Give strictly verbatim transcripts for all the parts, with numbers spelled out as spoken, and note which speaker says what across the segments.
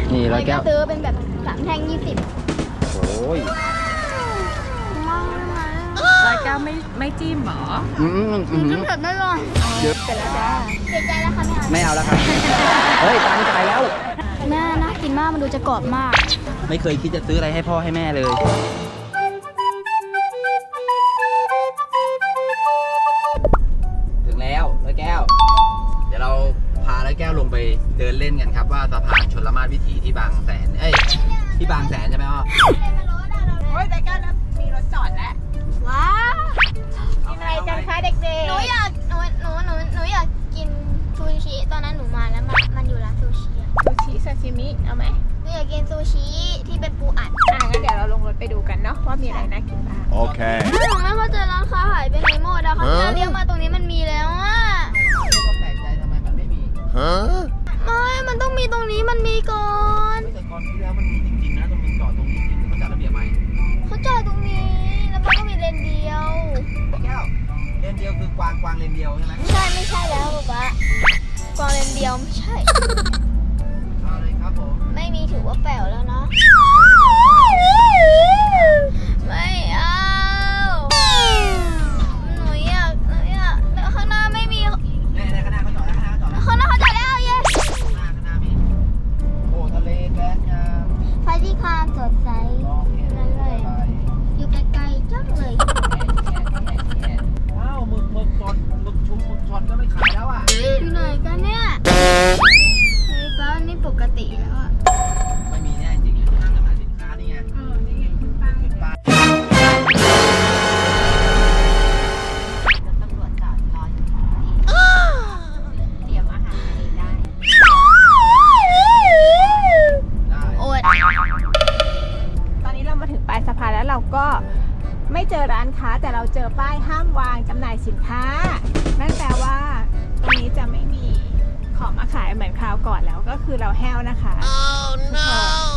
Speaker 1: นี่ร้อยแก้ว
Speaker 2: ซื้อเป็นแบบสามแท่งยี่สิบ
Speaker 1: โอ้ย
Speaker 3: ร้อยแก้วไม่ไม่จิ้มหรอ
Speaker 1: อืมอืม
Speaker 2: จิ้มเผ็ดไม่ลง
Speaker 1: เยอะ
Speaker 2: เสร็จแล้วจ้าเสียใจแล้วค่ะแม่
Speaker 1: ไม่เอาแล้วครับเฮ้ยตังค์จ่ายแล้ว
Speaker 2: แม่น่ากินมากมันดูจะกรอบมาก
Speaker 1: ไม่เคยคิดจะซื้ออะไรให้พ่อให้แม่เลยถึงแล้วร้อยแก้วเดี๋ยวเราพาร้อยแก้วลงไปเดินเล่นกันครับว่าสะพานชลมาศวิถีที่บางแสนเอ้ยที่บางแสนใช่ไหมอ้อ
Speaker 3: โอ้ยแต่กันมีรถจอดแล้ว
Speaker 2: ว้าว
Speaker 3: กินอะไรกันคะเด็กๆ
Speaker 2: หนูอยากหนูหนูหนูหนูอยากกินซูชิตอนนั้นหนูมาแล้วมันมันอยู่ร้านซูชิอะ
Speaker 3: ซูชิซาชิมิเอาไหม
Speaker 2: หนูอยากกินซูชิที่เป็นปูอัด
Speaker 3: อ่ะงั้นเดี๋ยวเราลงรถไปดูกันเนาะว่ามีอะไรน่ากินบ้าง
Speaker 1: โอเค
Speaker 2: หนูไม่เข้าใจร้านค้าหายไปไหนหมดอะเขาจะเรียกมาตรงนี้มันมีแล้วอะ
Speaker 1: ก็แปลกใจทำไมมันไม่มีฮะ
Speaker 2: ไม่มันต้องมีตรงนี้มันมีก่อน
Speaker 1: แต่ก่อนที่แล้วมันมีจริงๆนะตรงนี้จอดตรงนี้จริงๆเขาจัดระเบียบใหม่
Speaker 2: เขาจอดตรงนี้แล้วมันก็มีเลนเดียว
Speaker 1: แก้วเลนเดียวคือกวางกวางเลนเดียวใช่ไหม
Speaker 2: ไม่ใช่ไม่ใช่แล้วป๊ากวางเลนเดียวไม่ใช่
Speaker 1: เอาเลยครับผม
Speaker 2: ไม่มีถือว่าแป๋วแล้วนะไม่เอาหนูอยากหนูอยากข้างหน้าไม่มี
Speaker 1: ในในข้างหน้าเขาจอดแล้วข้างหน้าเขาจอดแล้ว
Speaker 2: ข้างหน้าเขาจอดแล้วเย้
Speaker 1: ข้างหน้าข้างหน้ามีโอ้ทะเลแสนงาม
Speaker 2: พระที่คามสดใสนั่นเลยอยู่ไกลๆจังเลย
Speaker 1: ว้าวหมึกหมึกสดหมึกชุมหมึกช็อตก็ไม่ขายแล้วอ่ะ
Speaker 2: อยู่ไหนกันเนี่ยเฮ้ยป้านี่ปกติแล้วอ่ะ
Speaker 1: ไม่มีแน่จริงๆห้างจำหน่ายสินค้านี่ไง
Speaker 3: เออนี่ไงคุณป้า
Speaker 1: คุณป้า
Speaker 3: ตำรวจจอดรออยู่เตรียมอาหารให้ได้
Speaker 2: โอ๊ย
Speaker 3: ตอนนี้เรามาถึงปลายสะพานแล้วเราก็ไม่เจอร้านค้าแต่เราเจอป้ายห้ามวางจำหน่ายสินค้านั่นแปลว่าตรงนี้จะไม่มีของมาขายเหมือนคราวก่อนแล้วก็คือเราแห้วนะคะ oh, no.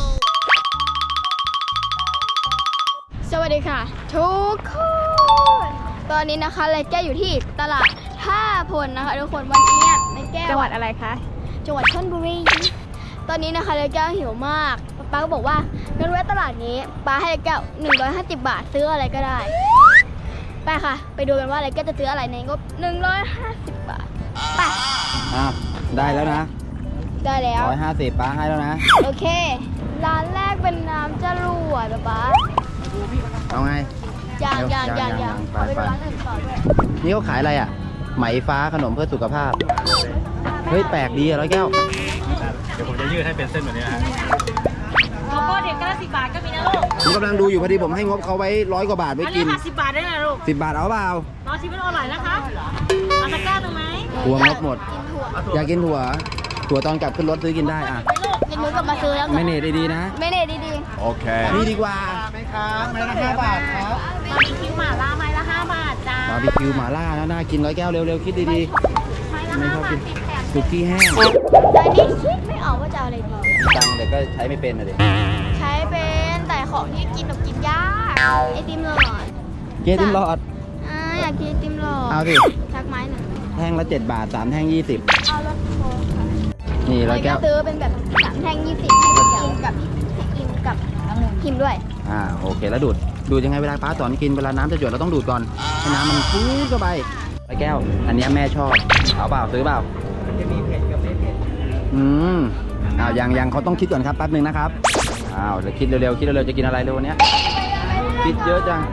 Speaker 2: สวัสดีค่ะทุกคนตอนนี้นะคะไรแก้วอยู่ที่ตลาดท่าพลนะคะทุกคนวันนี้ไรแก้ว
Speaker 3: จังหวัดอะไรคะ
Speaker 2: จังหวัดชลบุรีตอนนี้นะคะไรแก้วหิวมากป้าก็บอกว่างั้นแวะตลาดนี้ป้าให้ไรแก้วหนึ่งร้อยห้าสิบบาทซื้ออะไรก็ได้ไปค่ะไปดูกันว่าไรแก้วจะซื้ออะไรในงบหนึ่งร้อยห้าสิบบาทไป
Speaker 1: อ้าวได้แล้วนะ
Speaker 2: ได้แล้ว
Speaker 1: ร้อยห้าสิบป้าให้แล้วนะ
Speaker 2: โอเคร้านแรกเป็นน้ำจรวดป้า
Speaker 1: เอาไง
Speaker 2: ยางยางยางยางไปไปร้านอื่นต่อด้วย
Speaker 1: นี่เขาขายอะไรอ่ะไหมฟ้าขนมเพื่อสุขภาพเฮ้ยแปลกดีอะร้อยแก้ว
Speaker 4: เดี๋ยวผมจะยืดให้เป็นเส้นแบบนี้นะฮะ
Speaker 3: โลโก้เด็กก็สิบบาทก็มีนะลูก
Speaker 1: ผมกำลังดูอยู่พอดีผมให้งบเขาไว้ร้อยกว่าบาทไว้กิน
Speaker 3: สิบบาทได้นะลูก
Speaker 1: สิบบาทเอาเปล่า
Speaker 3: ร้อยชิมมันอร่อยนะคะเอาตะกร้าตรงไหน
Speaker 1: ถั่วงบหมดอยากกินถั่วถั่วตอนกลับขึ้นรถซื้อกินได้อ่ะ
Speaker 2: กินมื้อกลับมาซื้อแล้ว
Speaker 1: ไม่เนตดีๆนะ
Speaker 2: ไม่เนตดี
Speaker 1: ๆโอเคนี่ดีกว่าไหมครับไม้ละห้าบาทครับ
Speaker 3: บาร์บีคิวหม่าล่าไม้ละห้าบาทจ้า
Speaker 1: บาร์บีคิวหม่าล่านะน่ากินร้อยแก้วเร็วๆคิดดีๆ
Speaker 3: ไม้ละห้าบาทติดแถม
Speaker 1: สุกี้แห้ง
Speaker 2: แต่นี่คิดไม่ออกว่าจะเอาอะไรดี
Speaker 1: ตังแต่ก็ใช้ไม่เป็นเลย
Speaker 2: ใช้เป็นแต่ของที่กินแบบกินยากไอติมหลอด
Speaker 1: เกติมหลอด
Speaker 2: อ่าอยากกินไอติมหลอด
Speaker 1: เอาสิ
Speaker 2: ชักไม้หนึ่ง
Speaker 1: แท่งละเจ็ดบาทสามแท่งยี่สิบ
Speaker 2: เอารถโค้กค่ะ
Speaker 1: นี่ร้อยแก้ว
Speaker 2: ซื้อเป็นแบบสามแท่งยี่สิบกินกับกินกับพิมด้วย
Speaker 1: อ่าโอเคแล้วดูดดูดยังไงเวลาป้าสอนกินเวลาน้ำจะหยดเราต้องดูดก่อนให้น้ำมันฟุ้งเข้าไปร้อยแก้วอันนี้แม่ชอบเอาเปล่าซื้อเปล่าจะมีเผ็ดกับไม่เผ็ดอืมอ้าวยังยังเขาต้องคิดก่อนครับแป๊บนึงนะครับอ้าวเดี๋ยวคิดเร็วๆคิดเร็วๆจะกินอะไรเร็ววันนี้คิดเยอะจัง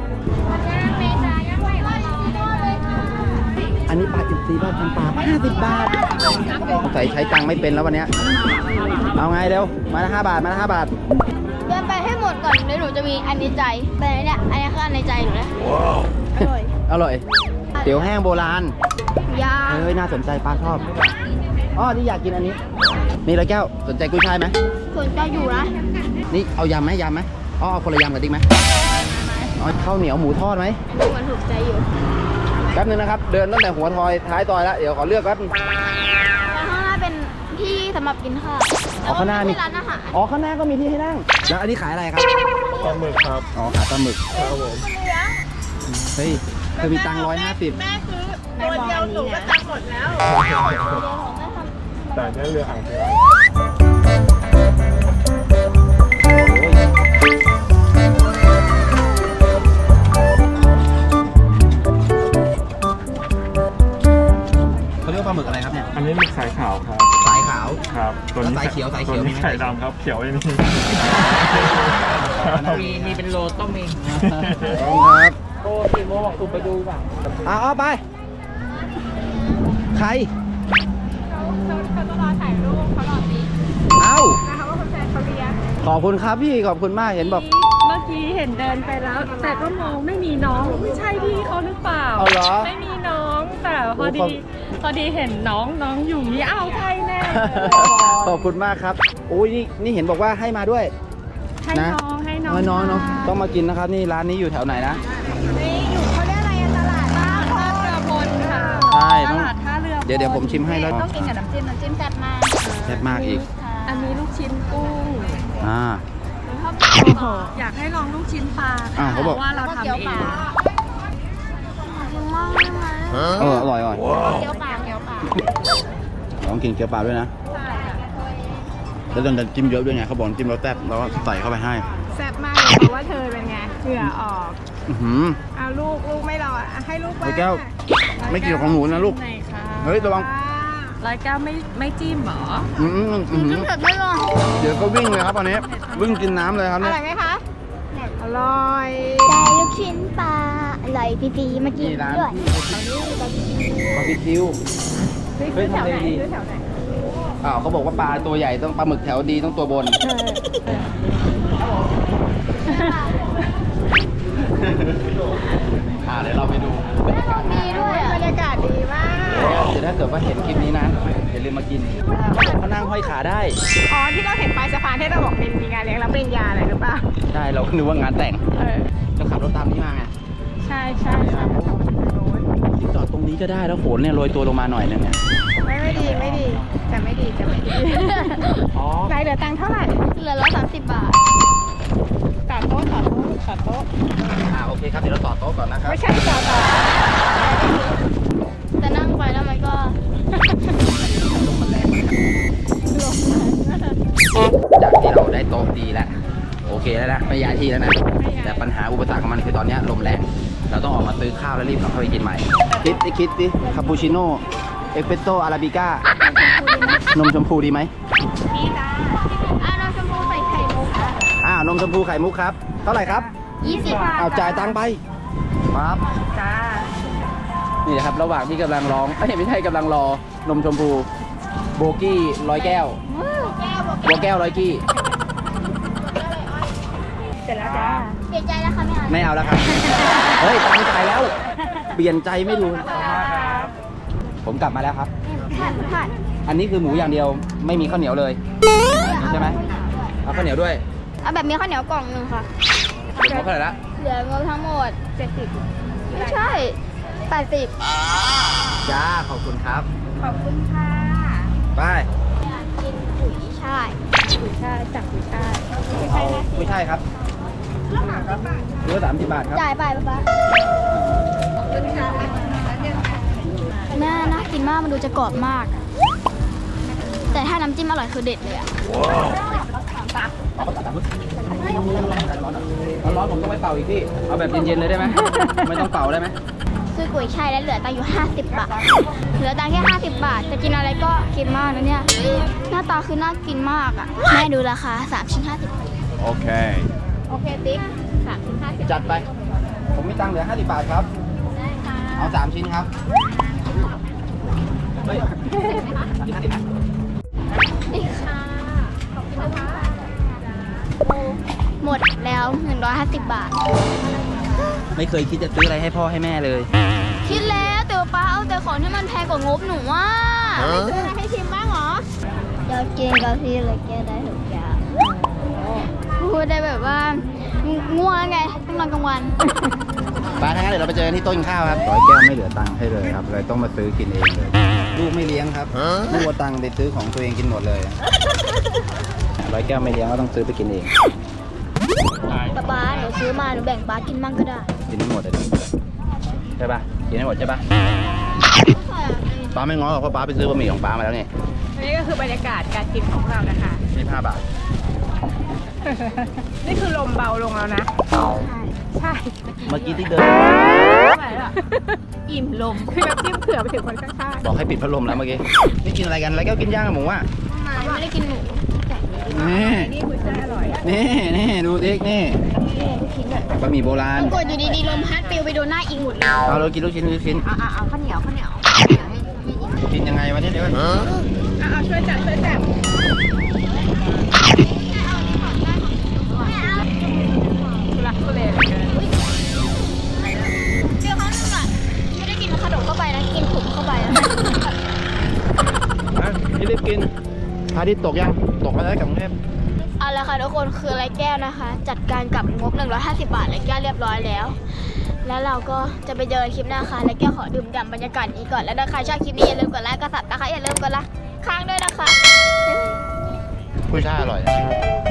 Speaker 1: อันนี้ปลาจิบซีบ้านทำปลาห้าสิบบาทใส่ใช้ตังค์ไม่เป็นแล้ววันนี้เอาไงเร็วมาละห้าบาทมาละห้าบาท
Speaker 2: เดินไปให้หมดก่อนเดี๋ยวหนูจะมีอันในใจแต่เนี่ยอันนี้คืออันในใจหนูนะอร่อย
Speaker 1: อร่อยเตี๋ยวแห้งโบราณ
Speaker 2: ยา
Speaker 1: เฮ้ยน่าสนใจป้าชอบอ๋อนี่อยากกินอันนี้นี่ร้อยแก้วสนใจกุ้ยช่ายไหม
Speaker 2: สนใจอยู่นะ
Speaker 1: นี่เอายำไหมยำไหมอ๋อเอาคนละยำกับติ๊กไหมอ๋อข้าวเหนียวหมูทอดไหม
Speaker 2: มันถูกใจอยู่
Speaker 1: แป๊บนึงนะครับเดินตั้งแต่หัวทอยท้ายซอยแล้วเดี๋ยวขอเลือกแป๊บนึง
Speaker 2: ข้างหน้าเป็นที่สำหรับกินข้าว
Speaker 1: อ๋อข้างหน้ามี
Speaker 2: ร้านอาหาร
Speaker 1: อ๋อข้างหน้าก็มีที่ให้นั่งแล้วอันนี้ขายอะไรครับ
Speaker 4: ปลาหมึกครับ
Speaker 1: อ๋อขายปลาหมึก
Speaker 4: ครับผม
Speaker 1: เฮ้ยเธอมีตังค์ร้อยห้าสิบ
Speaker 3: แม่ซื้อตัวเดียวหนูก็ตังค์หมดแล้ว
Speaker 4: แต่เนี่ยเรือหางเรือมีไข่ดำครับ เขียวไม่มี
Speaker 5: มีมีเป็นโลต้องมี
Speaker 1: ขอบคุณครับ
Speaker 5: โอ้สี่โมงบอกถูกไปดูป่ะ
Speaker 1: เอาเอาไป ใคร
Speaker 3: เขาเขาต้องรอถ่ายรูปเขารอติ๊ก
Speaker 1: เอา
Speaker 3: นะคะว่าคนแฟนเขาเรียก
Speaker 1: ขอบคุณครับพี่ ขอบคุณมาก เห็นบอก
Speaker 6: เมื่อกี้เห็นเดินไปแล้ว แต่ก็มองไม่มีน้องไม่ใช่พี่เขาหรือเปล่า
Speaker 1: เอาเหรอ
Speaker 6: ไม่มีน้องแต่พอ
Speaker 1: โอ้
Speaker 6: ดี
Speaker 1: ขอบ
Speaker 6: พอดีเห็นน้องน้องอยู่นี่อ้าวใช่แน่เลย
Speaker 1: ขอบคุณมากครับโอ้ยนี่นี่เห็นบอกว่าให้มาด้วย
Speaker 6: ให้
Speaker 1: นะ
Speaker 6: น้องให้น้อง
Speaker 1: น้อยน้องเนาะ
Speaker 6: ทาน
Speaker 1: ต้องมากินนะครับ นี่ร้านนี้อยู่แถวไหนนะ
Speaker 3: นี่อยู่เขาเรียกอะไรอะตลาดท่าพ
Speaker 6: ท่าเรือพลค่ะ
Speaker 1: ใช่
Speaker 6: ต
Speaker 1: ต้อง
Speaker 6: ลาดท่าเรือพล
Speaker 1: เดี๋ยวเดี๋ยวผมชิมให้แล้ว
Speaker 2: ต้องกินกับน้ำจิ้มน้ำจิ้มแซ่บมาก
Speaker 1: แซ่บมากอีก
Speaker 6: อันนี้ลูกชิ้นกุ้ง
Speaker 1: อ่า
Speaker 6: อยากให้ลองลูกชิ้นปลา
Speaker 1: อ่า
Speaker 6: ค่ะ
Speaker 1: เขาบอก
Speaker 6: เพราะว่าเราทำเอง
Speaker 2: กินมากเลยไหม
Speaker 1: เอออร่อยอร่อย
Speaker 2: เกี๊ยวปลาเกี๊ยวปลา
Speaker 1: ลองกินเกี๊ยวปลาด้วยนะ แล้วตอนจิ้มเยอะด้วยไงเขาบอกจิ้มแล้วแซ่บแล้วก็ใส่เข้าไปให้
Speaker 3: แซ่บมากเลยเพราะว่าเธอเป็นไงเหงื่อออก
Speaker 1: อื้อหือ
Speaker 3: เอาลูกลูกไม่รออ่ะให้ลูกบ้าง
Speaker 1: ร้อยแก้ว ไม่เกี่ยวของหนูนะลูก
Speaker 6: ไหนคะ
Speaker 1: เฮ้ยระวัง
Speaker 6: ร้อยแก้วไม่ไม่จิ้มเหรอ
Speaker 1: อืมอืมอืม
Speaker 2: จิ้มเผ็ดไม่ลง
Speaker 1: เดี๋ยวก็วิ่งเลยครับตอนนี้ วิ่งกินน้ำเลยครับ
Speaker 3: อ
Speaker 1: เนี่ย
Speaker 3: ร่อยไหมคะอร่อย
Speaker 2: ได้ลูกชิ้นปลาอร่อยปีๆมากิน
Speaker 1: นี่ร้าน
Speaker 2: ด้วย
Speaker 1: บาร์บีคิว
Speaker 3: ซื้อ
Speaker 1: เฮ้ย
Speaker 3: แถวไหน
Speaker 1: ทำเลดี
Speaker 3: ซื้อแถวไหน
Speaker 1: อ้าวเขาบอกว่าปลาตัวใหญ่ต้องปลาหมึกแถวดีต้องตัวบน อ่าเดี๋ยวเราไปดูบรรยากาศ
Speaker 2: ดีด้วยอ่ะ
Speaker 3: บรรยากาศดีมาก
Speaker 1: เดี๋ยวถ้าเกิดว่าเห็นคลิปนี้นะอย่าลืมมากินเขานั่งห้อยขาได้
Speaker 3: อ๋อที่เราเห็นปลายสะพานที่เราบอกมีมีงานเลี้ยงรับปริญญาอะไรหรือเปล่า
Speaker 1: ใช่เราก็นึกว่างานแต่ง
Speaker 3: เออ
Speaker 1: เราขับรถตามนี้มาไง
Speaker 6: ใช่ใช่
Speaker 1: จอดตรงนี้ก็ได้แล้วโขนเนี่ยโรยตัวลงมาหน่อยนึงเนี่ย
Speaker 3: ไม่ไม่ดีไม่ดีจะไม่ดีจะไม่ดี
Speaker 1: อ๋อ
Speaker 3: ไหนเหลือตังค์เท่าไหร่
Speaker 2: เหลือละสามสิบบาท
Speaker 3: ต่อโต๊ะต่อโต๊ะต่อโต๊ะ
Speaker 1: อ่าโอเคครับเดี๋ยวเราต่อโต๊ะก่อนนะครับ
Speaker 3: ไม่ใช่ต่อต่อ
Speaker 2: แต่นั่งไปแล้วมันก็
Speaker 1: จากที่เราได้โต๊ะดีแล้วโอเคแล้วนะไม่ย้ายที่แล้วนะแต่ปัญหาอุปสรรคของมันคือตอนเนี้ยลมแรงเราต้องออกมาซื้อข้าวแล้วรีบกลับเข้าไปกินใหม่คิดดิคิดดิคาปูชิโน่เอสเปรสโซ่อาราบิก้านมชมพูดีไหม
Speaker 2: อ่ะเราชมพูใส่ไข่มุก
Speaker 1: อ่านมชมพูไข่มุกครับเท่าไหร่ครับ
Speaker 2: ยี่สิบ
Speaker 1: เอาจ่ายตังค์ไปปั๊บ
Speaker 3: จ้า
Speaker 1: นี่นะครับระหว่างที่กำลังร้องเอ้ยไม่ใช่กำลังรอนมชมพูโบกี้ร้อยแก้ว
Speaker 2: แก้วบอก
Speaker 1: โบแก้วร้อยกี้
Speaker 3: เสร็จแล้วจ้า
Speaker 2: เปลี่ยนใจแล้วค่ะแม่
Speaker 1: ไม่เอาแล้วครับเฮ้ยตังค์จ่ายแล้ว เปลี่ยนใจไม่รู้ผมกลับมาแล้วครับ
Speaker 2: ผัดผัด
Speaker 1: อันนี้คือหมูอย่างเดียวไม่มีข้าวเหนียวเลยใช่ไหมเอาข้าวเหนียวด้วย
Speaker 2: เอาแบบมีข้าวเหนียวกล่องหนึ่งค่ะ
Speaker 1: เดี๋ยวเขาเท่าไหร่ละ
Speaker 2: เหลืองบทั้งหมดเจ็ดสิบไม่ใช่แปดสิบ
Speaker 1: จ้าขอบคุณครับ
Speaker 3: ขอบคุณค่ะ
Speaker 1: ไป
Speaker 2: กินปุ๋ยช่าย
Speaker 3: กุยช่ายจากกุยช่าย
Speaker 1: เอาไม่ใช่ครับเรือสามสิบบาทครับ
Speaker 2: จ่ายไปป๊าป๊าแม่น่ากินมากมันดูจะกรอบมาก แต่ถ้าน้ำจิ้มอร่อยคือเด็ดเลยอะ
Speaker 1: ร้อนๆผมต้องไปเป่าอีกพี่เอาแบบเย็นๆเลยได้ไหมไม่ต้องเป่าได้ไหม
Speaker 2: ซื้อกุ้ยช่ายแล้วเหลือตังค์อยู่ห้าสิบบาท เหลือตังค์แค่ห้าสิบบาท จะกินอะไรก็กินมากนะเนี่ย หน้าตาคือน่ากินมากอ่ะ แม่ดูราคาสามชิ้นห้าสิบ
Speaker 1: โอเค
Speaker 3: โอเคติ๊กสามชิ้นห้าสิบ
Speaker 1: จัดไป ผมมีตังค์เหลือห้าสิบบาทครับ
Speaker 2: ได้ค่ะ
Speaker 1: เอาสามชิ้นครับเฮ้ยห้าสิบ
Speaker 2: นี่ค่ะขอบคุณนะคะหมดแล้วหนึ่งร้อยห้าสิบบาท
Speaker 1: ไม่เคยคิดจะซื้ออะไรให้พ่อให้แม่เลย
Speaker 2: คิดแล้วแต่ว่าป้าเอาแต่ของที่มันแพงกว่างบหนูว่า
Speaker 3: ซื้ออะไรให้ชิมบ้างเหรอ
Speaker 2: อยากกินกาแฟเลยแกได้ทุกอย่างพูดได้แบบว่าง่วงไงต้องนอนกลางวัน
Speaker 1: ป้าทั้างนั้นเดี๋ยวเราไปเจอกันที่โต้นข้าวครับร้อยแก้วไม่เหลือตังค์ให้เลยครับเลยต้องมาซื้อกินเองเลย ลูกไม่เลี้ยงครับลูกเอาตังค์ไปซื้อของตัวเองกินหมดเลยร้อยแก้วไม่เลี้ยงก็ต้องซื้อไปกินเอง
Speaker 2: ป๊าป๊าหนูซื้อมาหนูแบ่งป๊ากินมั่งก็ได้
Speaker 1: กินไม่หมดเลยดิใช่ปะกินไม่หมดใช่ปะป้าไม่ง้อหรอกเพราะป้าไปซื้อบะหมี่ของป้ามาแล้วนี่
Speaker 3: นี่ก็คือบรรยากาศการกินของเรานะคะ
Speaker 1: ยี่สิบห้าบาท
Speaker 3: นี่คือลมเบาลงแล้วนะ ใช่
Speaker 1: เมื่อกี้ที่เดิน
Speaker 3: ไม่ไหวละอิ่มลม คือน้ำจิ้มเผื่อไปถึงคนข้าง
Speaker 1: บอกให้ปิดพัดลมแล้วเมื่อกี้นี่กินอะไรกันร้อยแก้วกินย่างกับหมูอ่ะ
Speaker 2: ไม่ไม่ได้กินหมู
Speaker 1: นี่นี่ดูดินี่
Speaker 2: นี่ลูกชิ้นอ่ะ
Speaker 1: บะหมี่โบราณ
Speaker 2: ปรากฏอยู่ดีๆลมพัดปลิวไปโดนหน้าอิงหมดเลย
Speaker 1: เอาเรากินลูกชิ้นลูกชิ้น
Speaker 2: เอาเอาเอาข้าวเหนียวข้าวเหนียวให้ให้อิง
Speaker 1: กินยังไงวะเนี่ยเดี๋ยวก่อน
Speaker 3: เอาเอาช่วยจับช่วยจับ ทุลักทุเลเหลือเกิน
Speaker 2: เจอเขาหนึ่งอ่ะไม่ได้กินขนมเข้าไปนะกินขุมเข้าไปนะ
Speaker 1: อ่ะรีบกินพระอาทิตย์ตกยังตกมาแล้วกับกรุงเทพ
Speaker 2: เอาละค่ะทุกคนคือไรแก้วนะคะ จัดการกับงบหนึ่งร้อยห้าสิบบาทไรแก้วเรียบร้อยแล้ว แล้วเราก็จะไปเจอคลิปหน้าค่ะไรแก้วขอดื่มด่ำบรรยากาศนี้ก่อนแล้วถ้าใครชอบคลิปนี้อย่าลืมกดไลค์กดซับนะคะอย่าลืมกดไลค์ค้างด้วยนะคะ
Speaker 1: กุ้ยช่ายอร่อย